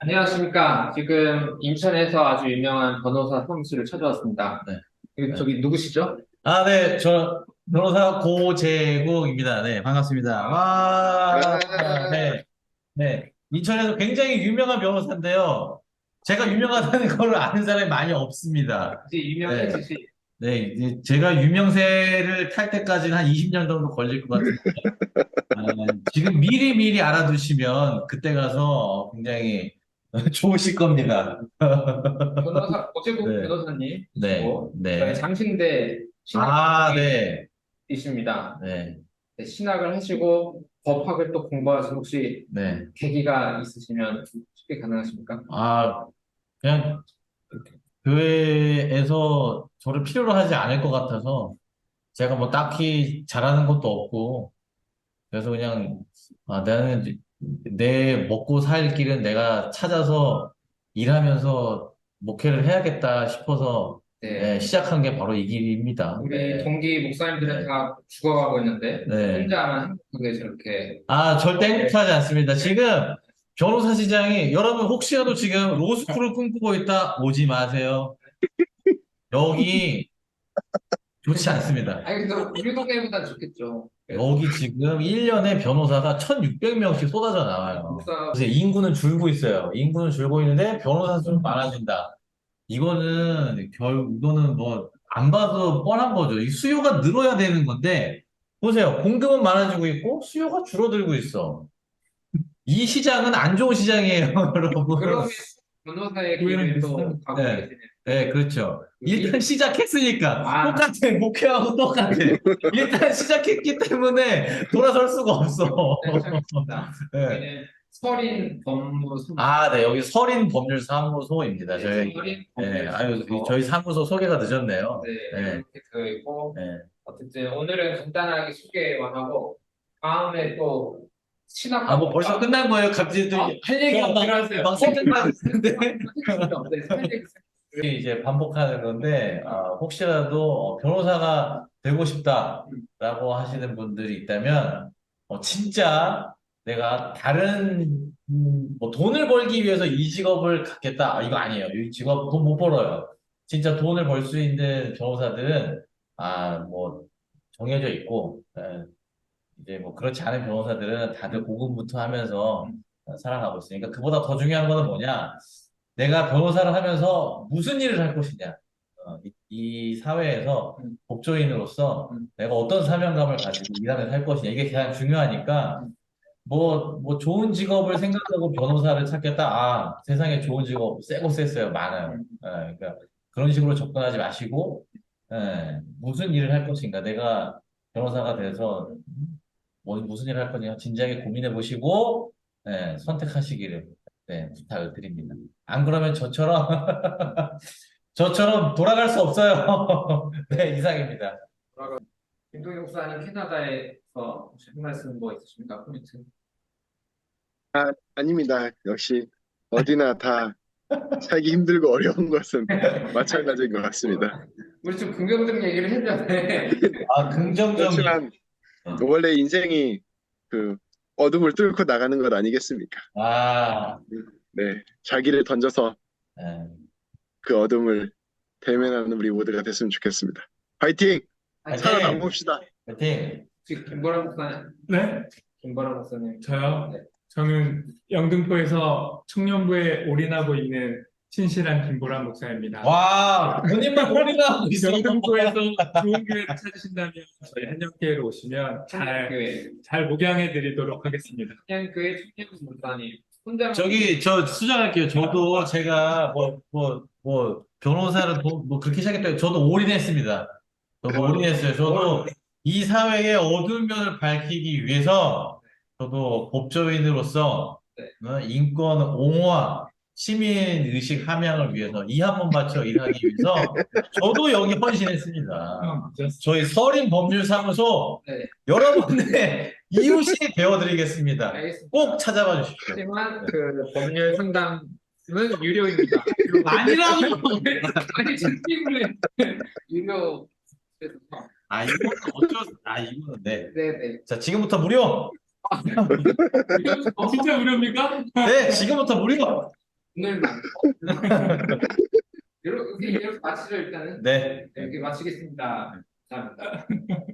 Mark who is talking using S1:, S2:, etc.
S1: 안녕하십니까. 지금 인천에서 아주 유명한 변호사 사무실을 찾아왔습니다.
S2: 네. 네.
S1: 저기 누구시죠?
S2: 네. 저 변호사 고재국입니다. 네, 반갑습니다. 와,
S1: 아,
S2: 네, 네. 인천에서 굉장히 유명한 변호사인데요. 제가 유명하다는 걸 아는 사람이 많이 없습니다.
S1: 이제
S2: 네,
S1: 유명해지시.
S2: 네. 이제 제가 유명세를 탈 때까지는 한 20년 정도 걸릴 것 같은데, 아, 지금 미리 알아두시면 그때 가서 굉장히 좋으실 겁니다.
S1: 오재국
S2: 네, 네,
S1: 변호사님이시고, 저희
S2: 네.
S1: 장신대
S2: 네,
S1: 신학이십니다.
S2: 네,
S1: 네, 신학을 하시고 법학을 또 공부하신 혹시
S2: 네.
S1: 계기가 있으시면 쉽게 가능하십니까?
S2: 아, 그냥 교회에서 저를 필요로 하지 않을 것 같아서 제가 뭐 딱히 잘하는 것도 없고 그래서 그냥 나는 이제 내 먹고 살 길은 내가 찾아서 일하면서 목회를 해야겠다 싶어서
S1: 네.
S2: 시작한 게 바로 이 길입니다.
S1: 우리
S2: 네,
S1: 동기 목사님들은
S2: 네,
S1: 다 죽어가고 있는데
S2: 네.
S1: 혼자만 행복하게 저렇게.
S2: 절대
S1: 네.
S2: 행복하지 않습니다. 지금 변호사 시장이 여러분 혹시라도 지금 로스쿨을 꿈꾸고 있다 오지 마세요. 여기 좋지 않습니다.
S1: 아니, 그래도 우리 동네보다 좋겠죠. 그래도
S2: 여기 지금 1년에 변호사가 1,600명씩 쏟아져 나와요.
S1: 목사.
S2: 그래서 인구는 줄고 있어요. 인구는 줄고 있는데 변호사 수는 많아진다. 이거는 뭐 안 봐도 뻔한 거죠. 이 수요가 늘어야 되는 건데 보세요. 공급은 많아지고 있고 수요가 줄어들고 있어. 이 시장은 안 좋은 시장이에요, 여러분.
S1: 그러면 변호사의 길을 또 가고
S2: 네,
S1: 계시네요.
S2: 네, 그렇죠. 일단
S1: 여기.
S2: 시작했으니까
S1: 아,
S2: 똑같아. 목표하고 똑같아. 일단 시작했기 때문에 돌아설 수가 없어.
S1: 네, 시작했습니다.
S2: 네.
S1: 여기는 서린 법무소.
S2: 네, 여기 서린법률사무소입니다. 저희,
S1: 서린
S2: 네,
S1: 법무소.
S2: 저희 사무소 소개가 늦었네요.
S1: 네,
S2: 네,
S1: 이렇게 되어 있고,
S2: 네.
S1: 어쨌든 오늘은 간단하게 소개만 하고 다음에 또
S2: 뭐 벌써
S1: 신학과목과.
S2: 끝난 거예요. 갑자기
S1: 아,
S2: 할 얘기가
S1: 들어가세요.
S2: 막 생각나고 있는데.
S1: 네, 할 얘기.
S2: 이제 반복하는 건데, 혹시라도 변호사가 되고 싶다라고 하시는 분들이 있다면, 진짜 내가 다른, 뭐 돈을 벌기 위해서 이 직업을 갖겠다. 이거 아니에요. 이 직업 돈 못 벌어요. 진짜 돈을 벌 수 있는 변호사들은, 뭐, 정해져 있고, 이제 뭐 그렇지 않은 변호사들은 다들 고군분투 하면서 살아가고 있으니까 그보다 더 중요한 거는 뭐냐? 내가 변호사를 하면서 무슨 일을 할 것이냐? 이 사회에서
S1: 음,
S2: 법조인으로서
S1: 음,
S2: 내가 어떤 사명감을 가지고 일하면서 할 것이냐? 이게 가장 중요하니까
S1: 음,
S2: 뭐 좋은 직업을 생각하고 변호사를 찾겠다. 세상에 좋은 직업 세고 셌어요. 많아요.
S1: 음.
S2: 그러니까 그런 식으로 접근하지 마시고 무슨 일을 할 것인가? 내가 변호사가 돼서 무슨 일을 할 거냐 진지하게 고민해 보시고 선택하시기를 부탁을 드립니다. 안 그러면 저처럼 돌아갈 수 없어요. 네, 이상입니다.
S1: 김동희 목사님 캐나다에서 혹시 한 말씀 뭐 있으십니까? 코멘트.
S3: 아닙니다. 역시 어디나 다 살기 힘들고 어려운 것은 마찬가지인 것 같습니다.
S1: 우리 좀 긍정적 얘기를 해줘야 돼.
S2: 긍정적인.
S3: 그렇지만 원래 인생이 그 어둠을 뚫고 나가는 것 아니겠습니까?
S2: 아,
S3: 네, 자기를 던져서
S2: 네.
S3: 그 어둠을 대면하는 우리 모두가 됐으면 좋겠습니다. 화이팅!
S2: 화이팅!
S3: 살아남읍시다.
S2: 화이팅!
S1: 지금 김보라 목사님.
S4: 네?
S1: 김보라 목사님.
S4: 저요?
S1: 네.
S4: 저는 영등포에서 청년부에 올인하고 있는 신실한 김보람 목사입니다.
S2: 와, 본인만 올인하고 있어.
S4: 영등포에서 좋은 교회를 찾으신다면 저희 한영교회로 오시면
S1: 교회.
S4: 잘 목양해 드리도록 하겠습니다.
S1: 그냥 교회 청년 목사님. 혼자.
S2: 저 수정할게요. 저도 제가 변호사를 뭐 그렇게 시작했다. 저도 올인했습니다. 저도 올인했어요. 저도 이 사회의 어두운 면을 밝히기 위해서 저도 법조인으로서
S1: 네.
S2: 인권 옹호와 시민 의식 함양을 위해서 이 한 번 바쳐 일하기 위해서 저도 여기 헌신했습니다. 저희 서린법률사무소
S1: 네.
S2: 여러분의 이웃이 되어드리겠습니다.
S1: 알겠습니다.
S2: 꼭 찾아봐 주십시오.
S1: 하지만 그 법률 상담은 유료입니다.
S2: 아니라고.
S1: 아니 진심으로 유료.
S2: 이거는 네.
S1: 네네.
S2: 자, 지금부터 무료.
S4: 진짜 무료입니까?
S2: 네, 지금부터 무료.
S1: 오늘 이렇게 마치죠 일단은.
S2: 네.
S1: 이렇게 마치겠습니다. 감사합니다.